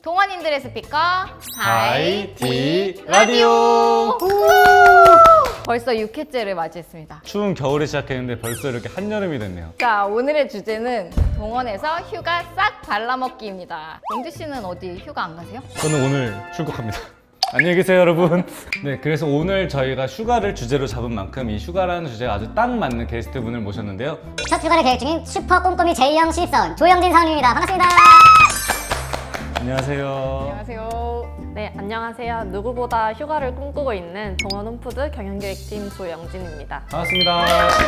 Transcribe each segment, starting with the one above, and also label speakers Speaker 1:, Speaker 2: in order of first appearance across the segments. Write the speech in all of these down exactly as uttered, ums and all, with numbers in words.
Speaker 1: 동원인들의 스피커
Speaker 2: 하이티 라디오.
Speaker 1: 벌써 육 회째를 맞이했습니다.
Speaker 2: 추운 겨울이 시작했는데 벌써 이렇게 한여름이 됐네요.
Speaker 1: 자, 오늘의 주제는 동원에서 휴가 싹 발라먹기입니다. 영주 씨는 어디 휴가 안 가세요?
Speaker 2: 저는 오늘 출국합니다. 안녕히 계세요, 여러분. 네, 그래서 오늘 저희가 휴가를 주제로 잡은 만큼 이 휴가라는 주제가 아주 딱 맞는 게스트분을 모셨는데요.
Speaker 3: 첫 휴가를 계획 중인 슈퍼 꼼꼼이 제이형 신입사원 조영진 사원입니다. 반갑습니다.
Speaker 2: 안녕하세요.
Speaker 1: 안녕하세요.
Speaker 4: 네, 안녕하세요. 누구보다 휴가를 꿈꾸고 있는 동원 홈푸드 경영기획팀 조영진입니다.
Speaker 2: 반갑습니다.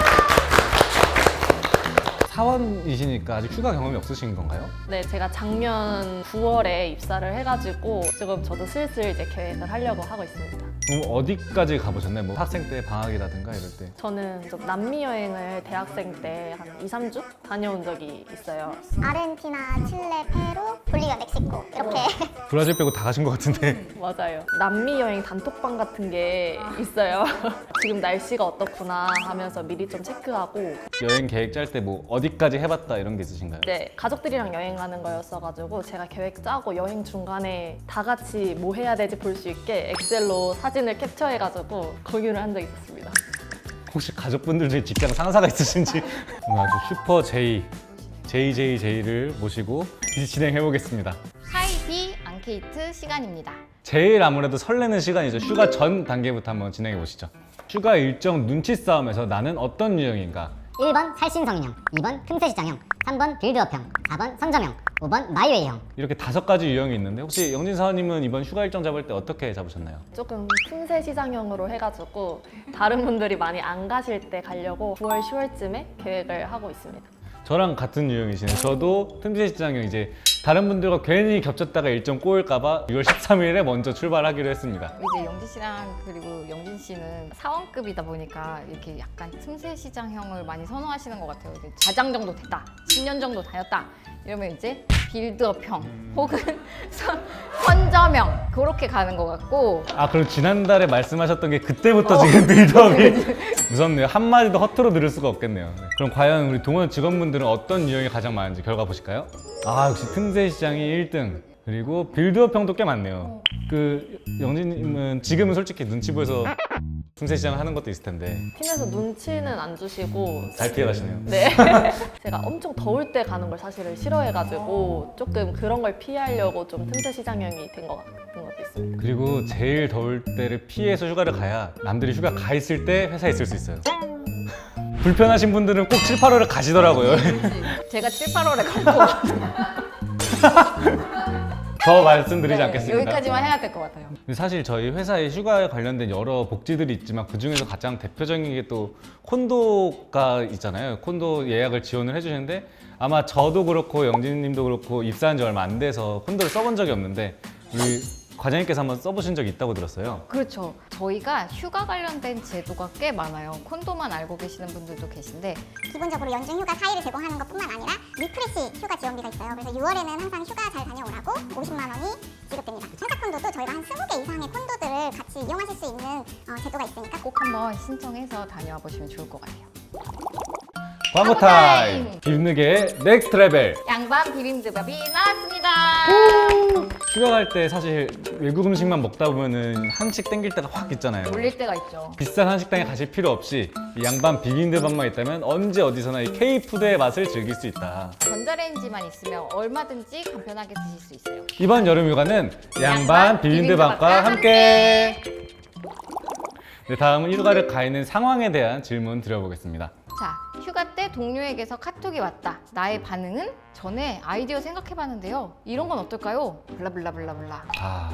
Speaker 2: 사원이시니까 아직 휴가 경험이 없으신 건가요?
Speaker 4: 네, 제가 작년 구월에 입사를 해가지고 지금 저도 슬슬 이제 계획을 하려고 하고 있습니다.
Speaker 2: 그럼 어디까지 가보셨나요? 뭐 학생 때 방학이라든가 이럴 때.
Speaker 4: 저는 좀 남미 여행을 대학생 때 한 이, 삼 주 다녀온 적이 있어요.
Speaker 3: 아르헨티나, 칠레, 페루, 볼리비아, 멕시코 이렇게.
Speaker 2: 브라질 빼고 다 가신 것 같은데.
Speaker 4: 맞아요. 남미 여행 단톡방 같은 게 있어요. 지금 날씨가 어떻구나 하면서 미리 좀 체크하고.
Speaker 2: 여행 계획 짤 때 뭐 어디까지 해봤다 이런 게 있으신가요?
Speaker 4: 네, 가족들이랑 여행하는 거였어가지고 제가 계획 짜고 여행 중간에 다 같이 뭐 해야 되지 볼 수 있게 엑셀로 사진을 캡처해가지고 공유를 한 적이 있었습니다.
Speaker 2: 혹시 가족분들 중에 직장 상사가 있으신지. 오늘 아주 슈퍼 제이, 제이제이제이를 모시고 진행해 보겠습니다.
Speaker 1: 하이디 앙케이트 시간입니다.
Speaker 2: 제일 아무래도 설레는 시간이죠. 휴가 전 단계부터 한번 진행해 보시죠. 휴가 일정 눈치 싸움에서 나는 어떤 유형인가?
Speaker 3: 일 번 살신성인형, 이 번 틈새시장형, 삼 번 빌드업형, 사 번 선점형, 오 번 마이웨이형.
Speaker 2: 이렇게 다섯 가지 유형이 있는데 혹시 영진 사원님은 이번 휴가 일정 잡을 때 어떻게 잡으셨나요?
Speaker 4: 조금 틈새 시장형으로 해가지고 다른 분들이 많이 안 가실 때 가려고 구월, 시월쯤에 계획을 하고 있습니다.
Speaker 2: 저랑 같은 유형이시네요. 저도 틈새 시장형 이제 다른 분들과 괜히 겹쳤다가 일정 꼬일까봐 유월 십삼일에 먼저 출발하기로 했습니다.
Speaker 1: 이제 영지 씨랑 그리고 영진 씨는 사원급이다 보니까 이렇게 약간 틈새 시장형을 많이 선호하시는 것 같아요. 이제 과장 정도 됐다, 십 년 정도 다녔다 이러면 이제 빌드업형 혹은 선, 선점형 그렇게 가는 것 같고.
Speaker 2: 아 그럼 지난달에 말씀하셨던 게 그때부터 지금 빌드업이 무섭네요. 한마디도 허투루 들을 수가 없겠네요. 네. 그럼 과연 우리 동원 직원분들은 어떤 유형이 가장 많은지 결과 보실까요? 아 역시 틈새 시장이 일 등. 그리고 빌드업형도 꽤 많네요. 그 영진님은 지금은 솔직히 눈치 보여서 틈새 시장을 하는 것도 있을 텐데
Speaker 4: 팀에서 눈치는 안 주시고
Speaker 2: 잘 피해가시네요.
Speaker 4: 네. 제가 엄청 더울 때 가는 걸 사실은 싫어해가지고 조금 그런 걸 피하려고 좀 틈새 시장형이 된 것 같은 것도 있습니다.
Speaker 2: 그리고 제일 더울 때를 피해서 휴가를 가야 남들이 휴가 가 있을 때 회사에 있을 수 있어요. 불편하신 분들은 꼭 칠, 팔월에 가시더라고요.
Speaker 1: 제가 칠, 팔월에 갈 것 같아요.
Speaker 2: 더 말씀드리지
Speaker 1: 네,
Speaker 2: 않겠습니다.
Speaker 1: 여기까지만 해야 될 것 같아요.
Speaker 2: 근데 사실 저희 회사에 휴가에 관련된 여러 복지들이 있지만 그 중에서 가장 대표적인 게 또 콘도가 있잖아요. 콘도 예약을 지원을 해주시는데 아마 저도 그렇고 영진님도 그렇고 입사한 지 얼마 안 돼서 콘도를 써본 적이 없는데 우리 과장님께서 한번 써보신 적이 있다고 들었어요.
Speaker 1: 그렇죠. 저희가 휴가 관련된 제도가 꽤 많아요. 콘도만 알고 계시는 분들도 계신데
Speaker 5: 기본적으로 연중 휴가 사 일을 제공하는 것뿐만 아니라 리프레시 휴가 지원비가 있어요. 그래서 유월에는 항상 휴가 잘 다녀오라고 오십만 원이 지급됩니다. 청사 콘도도 저희가 한 스무 개 이상의 콘도들을 같이 이용하실 수 있는 어, 제도가 있으니까
Speaker 1: 꼭 한번 신청해서 다녀와 보시면 좋을 것 같아요.
Speaker 2: 광고 타임! 비빔누게 넥스트 레벨!
Speaker 1: 양반 비빔밥이 나왔습니다.
Speaker 2: 휴가 갈 때 사실 외국 음식만 먹다 보면은 한식 땡길 때가 확 있잖아요.
Speaker 1: 올릴 때가 있죠.
Speaker 2: 비싼 한식당에 가실 필요 없이 이 양반 비빔밥만 있다면 언제 어디서나 이 K푸드의 맛을 즐길 수 있다.
Speaker 1: 전자레인지만 있으면 얼마든지 간편하게 드실 수 있어요.
Speaker 2: 이번 여름 휴가는 양반
Speaker 1: 양반
Speaker 2: 비빔밥과
Speaker 1: 비빔밥과
Speaker 2: 함께! 네, 다음은 휴가를 가 있는 상황에 대한 질문 드려보겠습니다.
Speaker 1: 자, 휴가 때 동료에게서 카톡이 왔다. 나의 반응은? 전에 아이디어 생각해봤는데요. 이런 건 어떨까요? 블라블라블라블라.
Speaker 2: 아...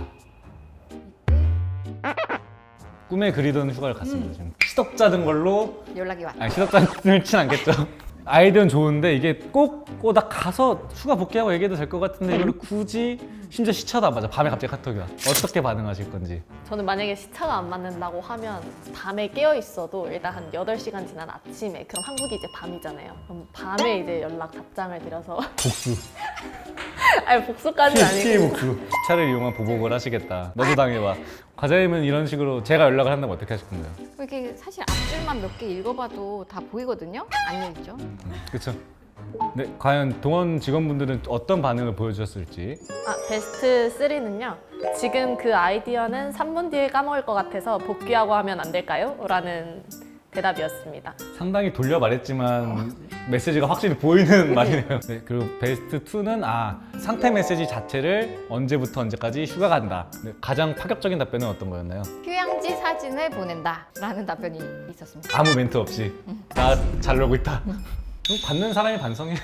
Speaker 2: 꿈에 그리던 휴가를 갔습니다. 지금 시덥 짜든 걸로
Speaker 1: 연락이 왔다.
Speaker 2: 아니 시덥 짜든 진 않겠죠. 아이디어는 좋은데 이게 꼭 나 가서 휴가 복귀하고 얘기해도 될 것 같은데 이걸 굳이 심지어 시차도 안 맞아. 밤에 갑자기 카톡이 와. 어떻게 반응하실 건지.
Speaker 4: 저는 만약에 시차가 안 맞는다고 하면 밤에 깨어 있어도 일단 한 여덟 시간 지난 아침에, 그럼 한국이 이제 밤이잖아요. 그럼 밤에 이제 연락 답장을 드려서
Speaker 2: 복수.
Speaker 4: 아니 복수까지는
Speaker 2: 피해
Speaker 4: 아니고
Speaker 2: 복수. 시차를 이용한 보복을 하시겠다. 너도 당해봐. 과장님은 이런 식으로 제가 연락을 한다면 어떻게 하실 건가요?
Speaker 1: 이렇게 사실 앞줄만 몇 개 읽어봐도 다 보이거든요? 안 읽죠?
Speaker 2: 그쵸? 네, 과연 동원 직원분들은 어떤 반응을 보여주셨을지.
Speaker 4: 아, 베스트 쓰리는요. 지금 그 아이디어는 삼 분 뒤에 까먹을 것 같아서 복귀하고 하면 안 될까요? 라는 대답이었습니다.
Speaker 2: 상당히 돌려 말했지만 메시지가 확실히 보이는 말이네요. 네, 그리고 베스트 투는 아 상태 메시지 자체를 언제부터 언제까지 휴가 간다. 네, 가장 파격적인 답변은 어떤 거였나요?
Speaker 1: 휴양지 사진을 보낸다 라는 답변이 있었습니다.
Speaker 2: 아무 멘트 없이 나 잘 놀고 있다. 그럼 받는 사람이 반성해요.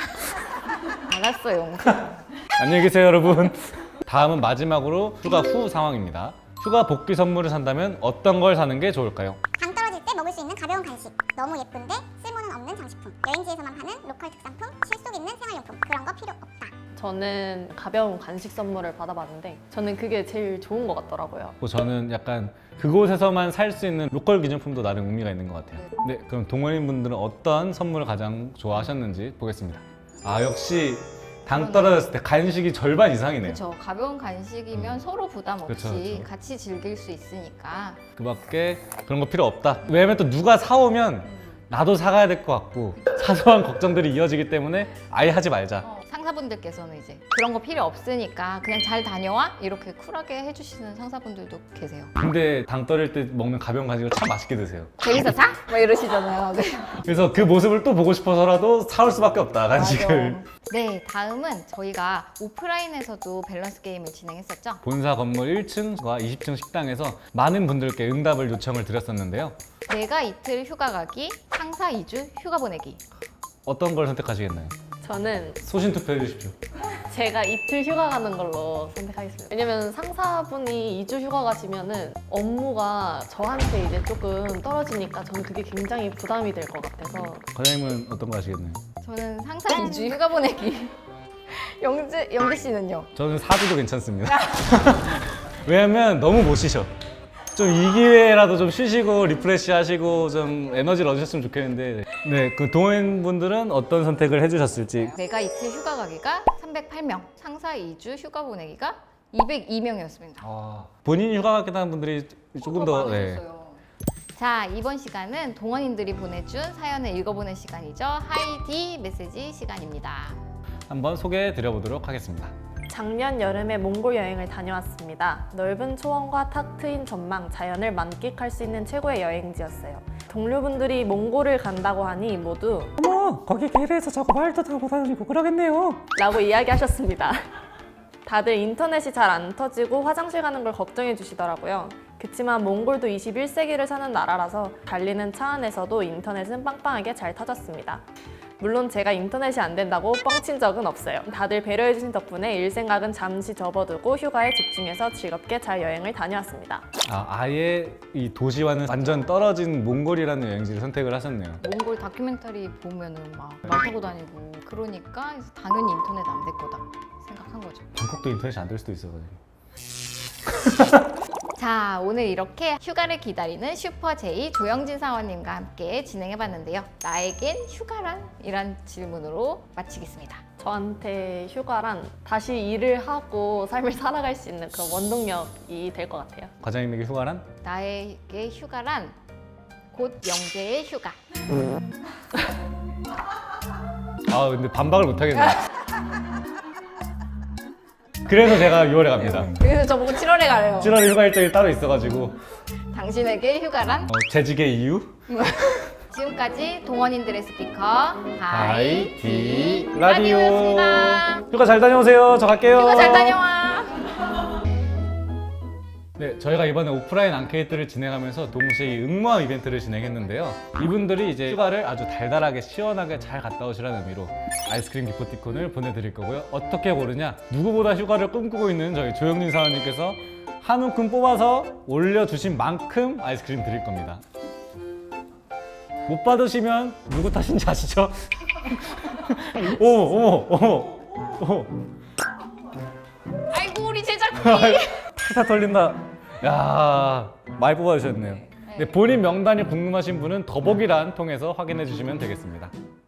Speaker 1: 알았어요.
Speaker 2: 안녕히 계세요 여러분. 다음은 마지막으로 휴가 후 상황입니다. 휴가 복귀 선물을 산다면 어떤 걸 사는 게 좋을까요?
Speaker 5: 당 떨어질 때 먹을 수 있는 가벼운 간식, 너무 예쁜데 쓸모는 없는 장식품, 여행지에서만 파는 로컬 특산품, 실속 있는 생활용품, 그런 거 필요 없다.
Speaker 4: 저는 가벼운 간식 선물을 받아봤는데 저는 그게 제일 좋은 것 같더라고요.
Speaker 2: 뭐 저는 약간 그곳에서만 살 수 있는 로컬 기념품도 나름 의미가 있는 것 같아요. 네, 그럼 동호인 분들은 어떤 선물을 가장 좋아하셨는지 보겠습니다. 아 역시 당 떨어졌을 때 간식이 절반 이상이네요.
Speaker 1: 그렇죠. 가벼운 간식이면 서로 부담 없이
Speaker 2: 그쵸, 그쵸.
Speaker 1: 같이 즐길 수 있으니까.
Speaker 2: 그밖에 그런 거 필요 없다. 왜냐면 또 누가 사오면 나도 사가야 될 것 같고 사소한 걱정들이 이어지기 때문에 아예 하지 말자.
Speaker 1: 어, 상사분들께서는 이제 그런 거 필요 없으니까 그냥 잘 다녀와 이렇게 쿨하게 해주시는 상사분들도 계세요.
Speaker 2: 근데 당 떨릴 때 먹는 가벼운 간식을 참 맛있게 드세요.
Speaker 1: 거기서 사? 막 이러시잖아요. 네.
Speaker 2: 그래서 그 모습을 또 보고 싶어서라도 사올 수밖에 없다 간식을.
Speaker 1: 맞아. 네, 다음은 저희가 오프라인에서도 밸런스 게임을 진행했었죠.
Speaker 2: 본사 건물 일 층과 이십 층 식당에서 많은 분들께 응답을 요청을 드렸었는데요.
Speaker 1: 내가 이틀 휴가 가기, 상사 이 주 휴가 보내기.
Speaker 2: 어떤 걸 선택하시겠나요?
Speaker 4: 저는
Speaker 2: 소신 투표해 주십시오.
Speaker 4: 제가 이틀 휴가 가는 걸로 선택하겠습니다. 왜냐면 상사분이 이 주 휴가 가시면은 업무가 저한테 이제 조금 떨어지니까 저는 그게 굉장히 부담이 될 것 같아서
Speaker 2: 과장님은 어떤 거 하시겠나요?
Speaker 1: 저는 상사 이 주 휴가 보내기. 영재, 영재 씨는요?
Speaker 2: 저는 사 주도 괜찮습니다. 왜냐면 너무 못 쉬셔. 좀 이 기회라도 좀 쉬시고 리프레시 하시고 좀 에너지를 얻으셨으면 좋겠는데 네, 그 동호인분들은 어떤 선택을 해주셨을지.
Speaker 1: 내가 이틀 휴가 가기가 삼백팔 명, 상사 이 주 휴가 보내기가 이백이 명이었습니다.
Speaker 2: 아, 본인 휴가 가겠다는 하는 분들이 조금 더 네.
Speaker 1: 자, 이번 시간은 동원인들이 보내준 사연을 읽어보는 시간이죠. 하이디 메시지 시간입니다.
Speaker 2: 한번 소개해 드려보도록 하겠습니다.
Speaker 4: 작년 여름에 몽골 여행을 다녀왔습니다. 넓은 초원과 탁 트인 전망, 자연을 만끽할 수 있는 최고의 여행지였어요. 동료분들이 몽골을 간다고 하니 모두
Speaker 2: 어머, 거기 게르에서 저거 말도 다 못하시고 그러겠네요.
Speaker 4: 라고 이야기하셨습니다. 다들 인터넷이 잘 안 터지고 화장실 가는 걸 걱정해 주시더라고요. 그치만 몽골도 이십일 세기를 사는 나라라서 달리는 차 안에서도 인터넷은 빵빵하게 잘 터졌습니다. 물론 제가 인터넷이 안 된다고 뻥친 적은 없어요. 다들 배려해 주신 덕분에 일 생각은 잠시 접어두고 휴가에 집중해서 즐겁게 잘 여행을 다녀왔습니다.
Speaker 2: 아, 아예 이 도시와는 완전 떨어진 몽골이라는 여행지를 선택을 하셨네요.
Speaker 1: 몽골 다큐멘터리 보면은 막 말 타고 다니고 그러니까 당연히 인터넷 안 될 거다 생각한 거죠.
Speaker 2: 방콕도 인터넷이 안 될 수도 있어가지고.
Speaker 1: 자, 오늘 이렇게 휴가를 기다리는 슈퍼제이 조영진 사원님과 함께 진행해봤는데요. 나에겐 휴가란? 이란 질문으로 마치겠습니다.
Speaker 4: 저한테 휴가란 다시 일을 하고 삶을 살아갈 수 있는 그런 원동력이 될 것 같아요.
Speaker 2: 과장님에게 휴가란?
Speaker 1: 나에게 휴가란 곧 영재의 휴가.
Speaker 2: 아 근데 반박을 못 하겠네요. 그래서 제가 유월에 갑니다.
Speaker 1: 그래서 저보고 칠월에 가래요.
Speaker 2: 칠월에 휴가 일정이 따로 있어가지고
Speaker 1: 당신에게 휴가란?
Speaker 2: 어, 재직의 이유?
Speaker 1: 지금까지 동원인들의 스피커
Speaker 2: 하이디
Speaker 1: 하이디
Speaker 2: 라디오.
Speaker 1: 라디오였습니다.
Speaker 2: 휴가 잘 다녀오세요. 저 갈게요.
Speaker 1: 휴가 잘 다녀와.
Speaker 2: 네, 저희가 이번에 오프라인 앙케이트를 진행하면서 동시에 응모함 이벤트를 진행했는데요. 이분들이 이제 휴가를 아주 달달하게 시원하게 잘 갔다 오시라는 의미로 아이스크림 기프티콘을 보내드릴 거고요. 어떻게 고르냐? 누구보다 휴가를 꿈꾸고 있는 저희 조영진 사원님께서 한 움큼 뽑아서 올려주신 만큼 아이스크림 드릴 겁니다. 못 받으시면 누구 탓인지 아시죠? 어머, 어머, 어머, 어머.
Speaker 1: 아이고 우리 제작비.
Speaker 2: 다 털린다. 야, 많이 뽑아주셨네요. 네, 본인 명단이 궁금하신 분은 더보기란 통해서 확인해 주시면 되겠습니다.